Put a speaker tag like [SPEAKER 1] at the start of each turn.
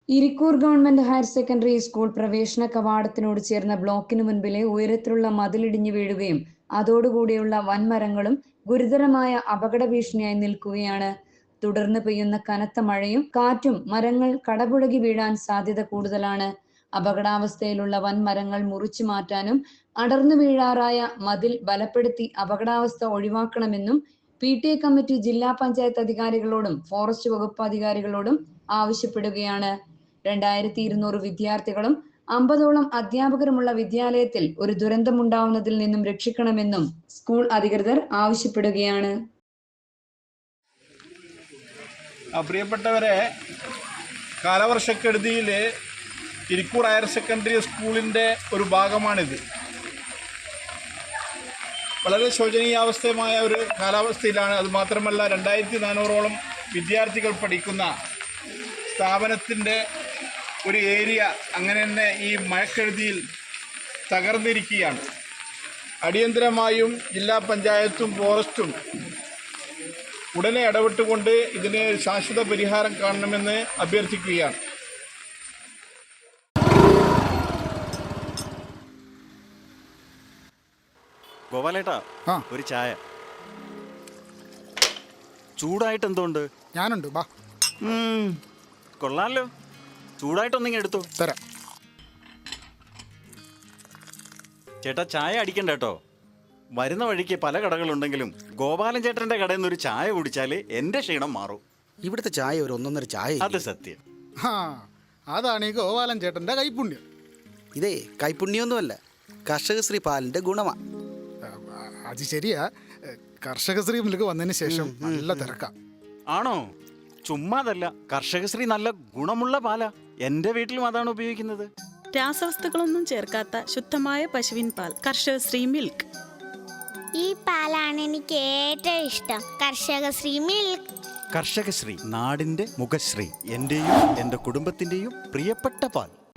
[SPEAKER 1] Irikkur government higher secondary school പ്രവേശന കവാടത്തിനോട് ചേർന്ന ബ്ലോക്കിന് മുൻപിലെ ഉയരത്തിലുള്ള മതിലിടിഞ്ഞു വീഴുകയും അതോടുകൂടിയുള്ള വൻമരങ്ങളും ഗുരുതരമായ അപകട ഭീഷണിയായി നിൽക്കുകയാണ്. തുടർന്ന് പെയ്യുന്ന കനത്ത മഴയും കാറ്റും മരങ്ങൾ കടപുഴകി വീഴാൻ സാധ്യത കൂടുതലാണ്. അപകടാവസ്ഥയിലുള്ള വൻമരങ്ങൾ മുറിച്ചു മാറ്റാനും അടർന്നു വീഴാറായ മതിൽ ബലപ്പെടുത്തി അപകടാവസ്ഥ ഒഴിവാക്കണമെന്നും PTA കമ്മിറ്റി ജില്ലാ പഞ്ചായത്ത് അധികാരികളോടും ഫോറസ്റ്റ് വകുപ്പ് അധികാരികളോടും ആവശ്യപ്പെടുകയാണ്. 2200 വിദ്യാർത്ഥികളും 50ഓളം അധ്യാപകരുമുള്ള വിദ്യാലയത്തിൽ ഒരു ദുരന്തമുണ്ടാവുന്നതിൽ നിന്നും രക്ഷിക്കണമെന്നും സ്കൂൾ അധികൃതർ ആവശ്യപ്പെടുകയാണ്.
[SPEAKER 2] പ്രിയപ്പെട്ടവരെ, കാലവർഷക്കെടുതിയിൽ ഇരിക്കൂർ ഹയർ സെക്കൻഡറി സ്കൂളിൻ്റെ ഒരു ഭാഗമാണിത്. വളരെ ശോചനീയാവസ്ഥമായ ഒരു കാലാവസ്ഥയിലാണ്. അതുമാത്രമല്ല, 2400ഓളം വിദ്യാർത്ഥികൾ പഠിക്കുന്ന സ്ഥാപനത്തിൻ്റെ ഒരു ഏരിയ അങ്ങനെ തന്നെ ഈ മഴക്കെടുതിയിൽ തകർന്നിരിക്കുകയാണ്. അടിയന്തരമായും ജില്ലാ പഞ്ചായത്തും ഫോറസ്റ്റും ഉടനെ ഇടപെട്ടുകൊണ്ട് ഇതിന് ശാശ്വത പരിഹാരം കാണണമെന്ന് അഭ്യർത്ഥിക്കുകയാണ്.
[SPEAKER 3] ഗോപാലേട്ടാ, ഒരു ചായ. ചൂടായിട്ട് എന്തുകൊണ്ട്?
[SPEAKER 4] ഞാനുണ്ട്, ബാ.
[SPEAKER 3] കൊള്ളാമല്ലോ, ചൂടായിട്ടൊന്നിങ്ങനെ എടുത്തു
[SPEAKER 4] തരാം.
[SPEAKER 3] ചേട്ടാ, ചായ അടിക്കണ്ട കേട്ടോ. വരുന്ന വഴിക്ക് പല കടകളുണ്ടെങ്കിലും ഗോപാലൻ ചേട്ടന്റെ കടയിൽ നിന്ന് ഒരു ചായ കുടിച്ചാൽ എന്റെ ക്ഷീണം മാറും.
[SPEAKER 5] ഇവിടുത്തെ ചായ ഒരു ഒന്നൊന്നര ചായ.
[SPEAKER 3] അത് സത്യം.
[SPEAKER 4] അതാണ് ഈ ഗോപാലൻ ചേട്ടന്റെ കൈപുണ്യം.
[SPEAKER 5] ഇതേ കൈപുണ്യൊന്നുമല്ല, കർഷകശ്രീ പാലിന്റെ ഗുണമാ.
[SPEAKER 4] അത് ശരിയാ, കർഷകശ്രീ മിൽക്ക് വന്നതിന് ശേഷം നല്ല തിരക്കാം.
[SPEAKER 3] ആണോ? ചുമ്മാതല്ല, കർഷകശ്രീ നല്ല ഗുണമുള്ള പാലാ. എന്റെ വീട്ടിലും അതാണ് ഉപയോഗിക്കുന്നത്.
[SPEAKER 6] രാസവസ്തുക്കളൊന്നും ചേർക്കാത്ത ശുദ്ധമായ പശുവിൻ പാൽ, കർഷകശ്രീ മിൽക്ക്.
[SPEAKER 7] ഈ പാലാണ് എനിക്ക് ഏറ്റവും ഇഷ്ടം, കർഷകശ്രീ മിൽക്ക്.
[SPEAKER 3] കർഷകശ്രീ, നാടിന്റെ മുഖശ്രീ, എന്റെയും എന്റെ കുടുംബത്തിന്റെയും പ്രിയപ്പെട്ട പാൽ.